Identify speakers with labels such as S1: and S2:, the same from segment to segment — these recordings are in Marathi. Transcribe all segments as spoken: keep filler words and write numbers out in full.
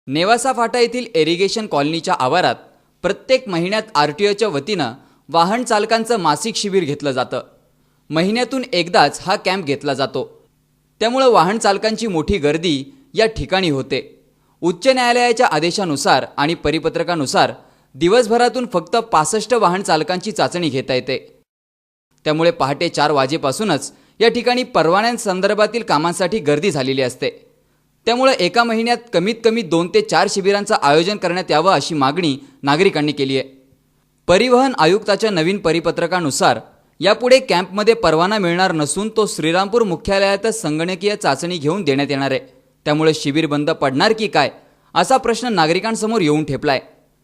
S1: नेवासा फाटा येथील इरिगेशन कॉलनीच्या आवारात प्रत्येक महिन्यात आर टी ओच्या वतीनं वाहन चालकांचं मासिक शिबिर घेतलं जातं। महिन्यातून एकदाच हा कॅम्प घेतला जातो, त्यामुळे वाहन चालकांची मोठी गर्दी या ठिकाणी होते। उच्च न्यायालयाच्या आदेशानुसार आणि परिपत्रकानुसार दिवसभरातून फक्त पासष्ट वाहन चालकांची चाचणी घेता येते, त्यामुळे पहाटे चार वाजेपासूनच या ठिकाणी परवान्यांसंदर्भातील कामांसाठी गर्दी झालेली असते। त्यामुळे एका महिन्यात कमीत कमी दोन ते चार शिबिरांचं आयोजन करण्यात यावं अशी मागणी नागरिकांनी केली आहे। परिवहन आयुक्ताच्या नवीन परिपत्रकानुसार यापुढे कॅम्पमध्ये परवाना मिळणार नसून तो श्रीरामपूर मुख्यालयातच संगणकीय चाचणी घेऊन देण्यात येणार आहे। त्यामुळे शिबिर बंद पडणार की काय असा प्रश्न नागरिकांसमोर येऊन ठेपलाय।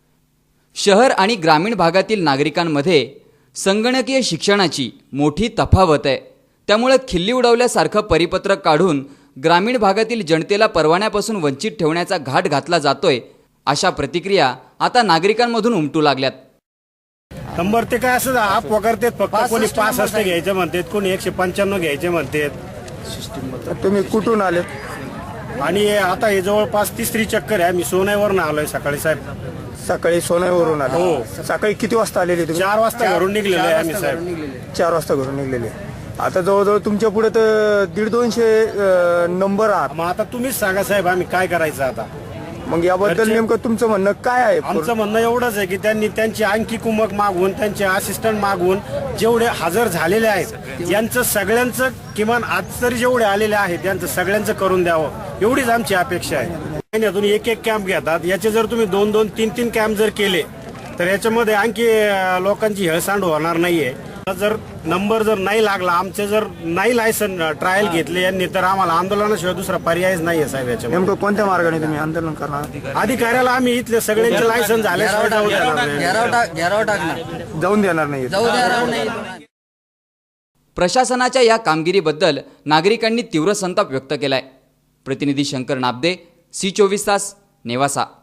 S1: शहर आणि ग्रामीण भागातील नागरिकांमध्ये संगणकीय शिक्षणाची मोठी तफावत आहे, त्यामुळे खिल्ली उडवल्यासारखं परिपत्रक काढून ग्रामीण भागातील जनतेला परवान्यापासून वंचित ठेवण्याचा घाट घातला जातोय, अशा प्रतिक्रिया आता नागरिकांमधून उमटू लागल्यात।
S2: नंबर ते काय असं आप वगैरे फक्त कोणी पासष्ट घ्यायचे म्हणतात, कोणी एकशे पंच्याण्णव घ्यायचे म्हणतात।
S3: तुम्ही कुठून आले?
S2: आणि आता हे जवळपास तिसरी चक्कर आहे। मी सोनईवरून आलोय सकाळी साहेब।
S3: सकाळी सोनईवरून आले?
S2: हो।
S3: सकाळी किती वाजता आलेले तुम्ही?
S2: चार वाजता घरून निघलेलो आहे आम्ही साहेब।
S3: चार वाजता घरून निघलेले। आता जवळजवळ तुमच्या पुढे तर दीड दोनशे नंबर आहात।
S2: मग आता तुम्हीच सांगा साहेब, आम्ही काय करायचं आता?
S3: मग याबद्दल नेमकं तुमचं म्हणणं काय आहे?
S2: आमचं म्हणणं एवढंच आहे की त्यांनी त्यांची आणखी कुमक मागवून, त्यांचे असिस्टंट मागवून जेवढे हजर झालेले आहेत यांचं सगळ्यांचं, किमान आज तरी जेवढे आलेले आहेत त्यांचं सगळ्यांचं करून द्यावं, एवढीच आमची अपेक्षा आहे। महिन्यातून एक एक कॅम्प घेतात, याचे जर तुम्ही दोन दोन तीन तीन कॅम्प जर केले तर याच्यामध्ये आणखी लोकांची हेळसांड होणार नाहीये। जर नंबर जर नाही लागला, आमचे जर नाही लायसन ट्रायल घेतले यांनी, तर आम्हाला आंदोलनाशिवाय दुसरा पर्यायच नाहीये साहेब। याच्या
S3: नेमकं कोणत्या मार्गाने तुम्ही आंदोलन करणार?
S2: अधिकाऱ्याला आम्ही इथले सगळ्यांचे लायसन झाल्याशिवाय जाऊ देणार नाही।
S3: जाऊन देणार नाही।
S1: प्रशासनाच्या या कामगिरीबद्दल नागरिकांनी तीव्र संताप व्यक्त केलाय। प्रतिनिधी शंकर नाबदे, सी चोवीस तास, नेवासा।